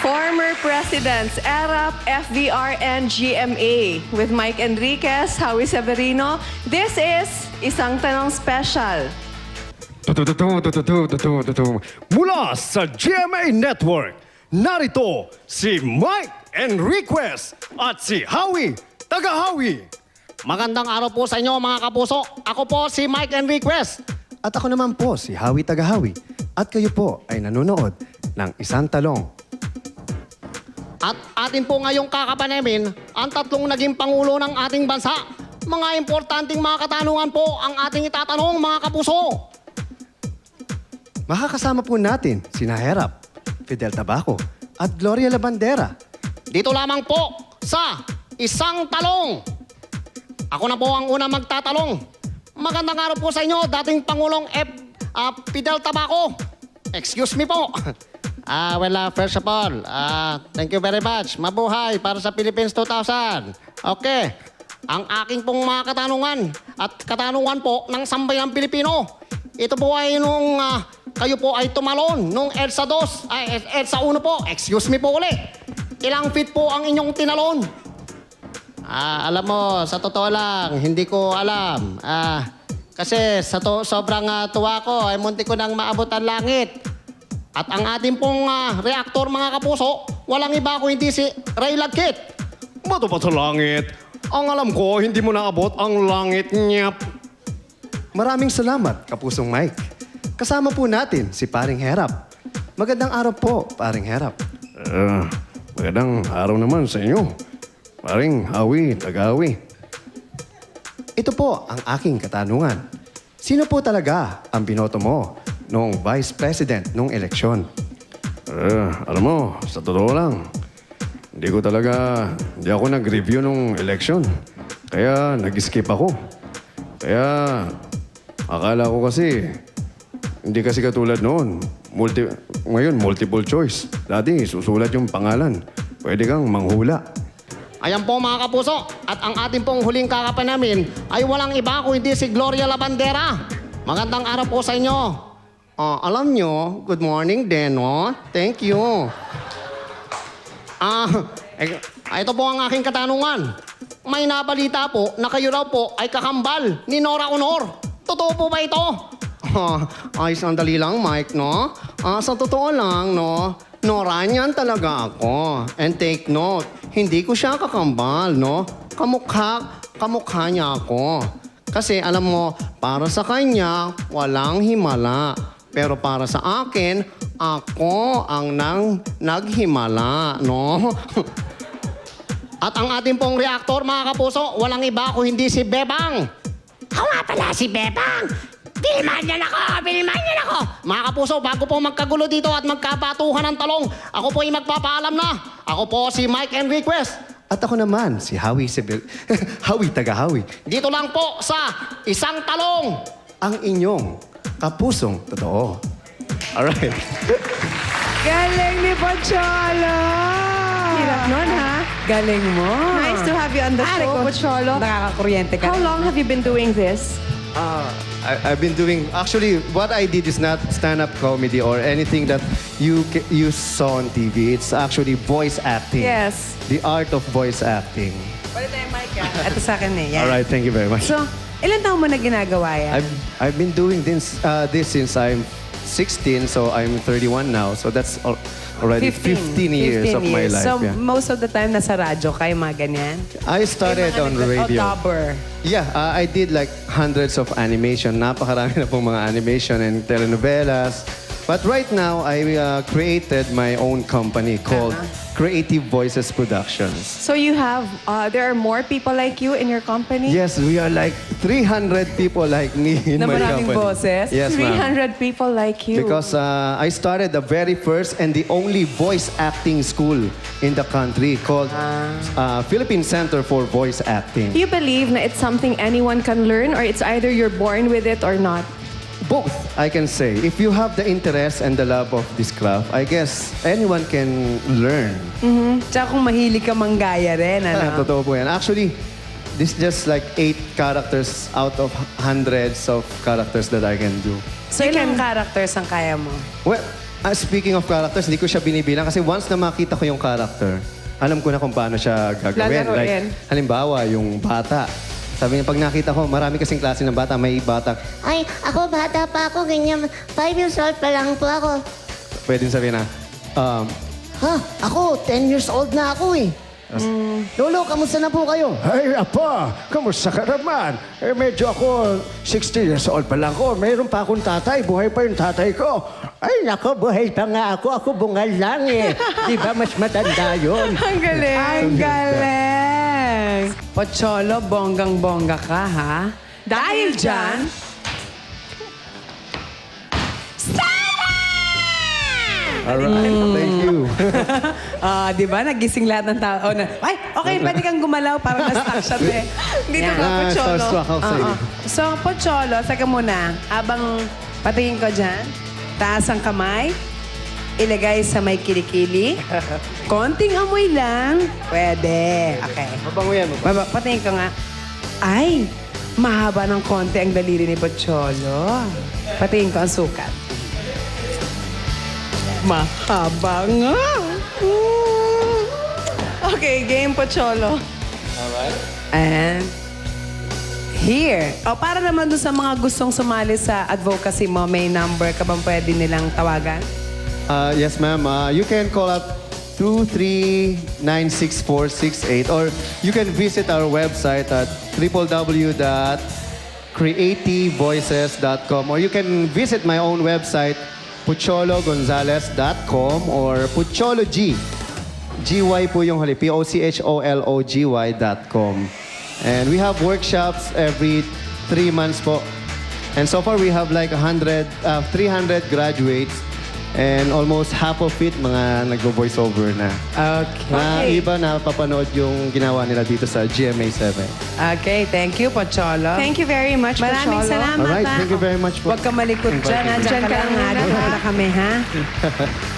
Former presidents, ERAP, FVR, and GMA. With Mike Enriquez, Howie Severino, this is Isang Tanong Special. Mula sa GMA Network, narito si Mike Enriquez at si Howie Taga-Howie. Magandang araw po sa inyo mga kapuso. Ako po si Mike Enriquez. At ako naman po si Howie Taga-Howie. At kayo po ay nanonood ng Isang Talong. At atin po ngayong kakapanamin ang tatlong naging pangulo ng ating bansa. Mga importanteng mga katanungan po ang ating itatanong mga kapuso. Makakasama po natin sina Herap, Fidel Tabaco at Gloria Labandera. Dito lamang po sa Isang Talong. Ako na po ang una magtatalong. Magandang araw po sa inyo, dating Pangulong Fidel Tabaco. Excuse me po. First of all, thank you very much. Mabuhay para sa Philippines 2000. Okay. Ang aking pong mga katanungan at katanungan po ng sambayang Pilipino. Ito po ay nung kayo po ay tumalon nung EDSA 2, EDSA 1 po. Excuse me po ulit. Ilang feet po ang inyong tinalon? Alam mo, sa totoo lang, hindi ko alam. Kasi sobrang tuwa ko, ay munti ko nang maabot ang langit. At ang ating pong reaktor, mga kapuso, walang iba kung hindi si Ray Lagkit. Bato pa sa langit. Ang alam ko, hindi mo naabot ang langit niya. Maraming salamat, Kapusong Mike. Kasama po natin si Paring Herap. Magandang araw po, Paring Herap. Magandang araw naman sa inyo. Paring Howie Taga-Howie. Ito po ang aking katanungan. Sino po talaga ang binoto mo noong Vice President noong eleksyon? Alam mo, sa totoo lang, hindi ako nag-review nung election. Kaya nag-skip ako. Kaya akala ko kasi, hindi kasi katulad noon. Ngayon, multiple choice. Dati, susulat yung pangalan. Pwede kang manghula. Ayan po mga kapuso, at ang ating pong huling kakapanamin ay walang iba kung hindi si Gloria Labandera. Magandang araw po sa inyo. Alam nyo, good morning din, no? Thank you. Ito po ang aking katanungan. May nabalita po na kayo raw po ay kakambal ni Nora Honor. Totoo po ba ito? Ay, sandali lang, Mike, no? Sa totoo lang, no? Nora niyan talaga ako. And take note, hindi ko siya kakambal, no? Kamukha niya ako. Kasi alam mo, para sa kanya, walang himala. Pero para sa akin, ako ang naghimala, no? At ang ating pong reaktor, mga kapuso, walang iba kung hindi si Bebang. Ako nga pala si Bebang. Bilman niyan ako! Mga kapuso, bago po magkagulo dito at magkapatuhan ng talong, ako po ay magpapaalam na. Ako po si Mike Enriquez. At ako naman, si Howie Howie Taga-Howie. Dito lang po sa Isang Talong. Ang inyong kapusong totoo. Alright. Galing ni Pocholo! Hirap nun, ha? Galing mo. Nice to have you on the show, Pocholo. Nakakakuryente ka. How long have you been doing this? I've been doing... Actually, what I did is not stand-up comedy or anything that you saw on TV. It's actually voice acting. Yes. The art of voice acting. Pwede tayo, Mike, Ito sa akin eh. Yan. Alright, thank you very much. So, ilan taon mo na ginagawa yan? I've been doing this since I'm 16, so I'm 31 now. So that's already 15 years of my life. So, Yeah. most of the time nasa radyo kayo, mga ganyan? I started on radio. Dubber. Yeah, I did like hundreds of animation. Napakarami na pong mga animation and telenovelas. But right now, I created my own company called Creative Voices Productions. So you have, there are more people like you in your company? Yes, we are like 300 people like me in Na my maraming company. boses? Yes, ma'am. 300 people like you. Because I started the very first and the only voice acting school in the country called Philippine Center for Voice Acting. Do you believe na it's something anyone can learn or it's either you're born with it or not? Both, I can say. If you have the interest and the love of this craft, I guess anyone can learn. Tsaka kung mahilig ka manggaya rin, ano? Totoo po yan. Actually, this is just like 8 characters out of hundreds of characters that I can do. So, ilang characters ang kaya mo? Well, Speaking of characters, hindi ko siya binibilang kasi once na makita ko yung character, alam ko na kung paano siya gagawin. Lalaroin. Like, halimbawa, yung bata. Sabi niya, pag nakita ko, marami kasing klase ng bata. May bata, Ay, ako bata pa ako, ganyan. 5 years old pa lang po ako. pwedeng sabihin na, Ha? Ako, 10 years old na ako eh. Lolo, kamusta na po kayo? Ay, apa, kamusta ka naman? Eh, medyo ako, 60 years old pa lang ako. Mayroon pa akong tatay. Buhay pa yung tatay ko. Ay, nako, buhay pa nga ako. Ako bungal lang eh. Di ba mas matanda yun? Ang galing. Ang galing! Pocholo, bonggang-bongga ka, ha? Dahil dyan, alright, thank you. di ba, nagising lahat ng tao. Oh, ay, okay, pwede kang gumalaw para na-stuck siya, te. Dito Yan. ka, Pocholo. Starstruck ako sa iyo. So, Pocholo, saka muna, habang patingin ko dyan, taas ang kamay, ilagay sa may kilikili, konting amoy lang, pwede. Okay. Mabango yan, mabango. Patingin ko nga, ay, mahaba ng konti ang daliri ni Pocholo. Patingin ko ang sukat. Mahaba nga. Okay, game, Pocholo. And here. O, para naman doon sa mga gustong sumali sa advocacy mo, may number ka bang pwede nilang tawagan? Yes, ma'am. You can call up 2396468 or you can visit our website at www.creativevoices.com or you can visit my own website puchologonzalez.com or pucholog. GY po yung huli. POCHOLOGY.com. And we have workshops every 3 months po. And so far we have like 300 graduates and almost half of it mga nagvo-voiceover na. Okay. Na iba na papanood yung ginawa nila dito sa GMA7. Okay, thank you, Pocholo. Thank you very much, Maraming Pocholo. salamat, Alright, ha? thank you very much po. Huwag ka malikot dyan, ha? Diyan ka lang, ha? Diyan ka lang kami, ha?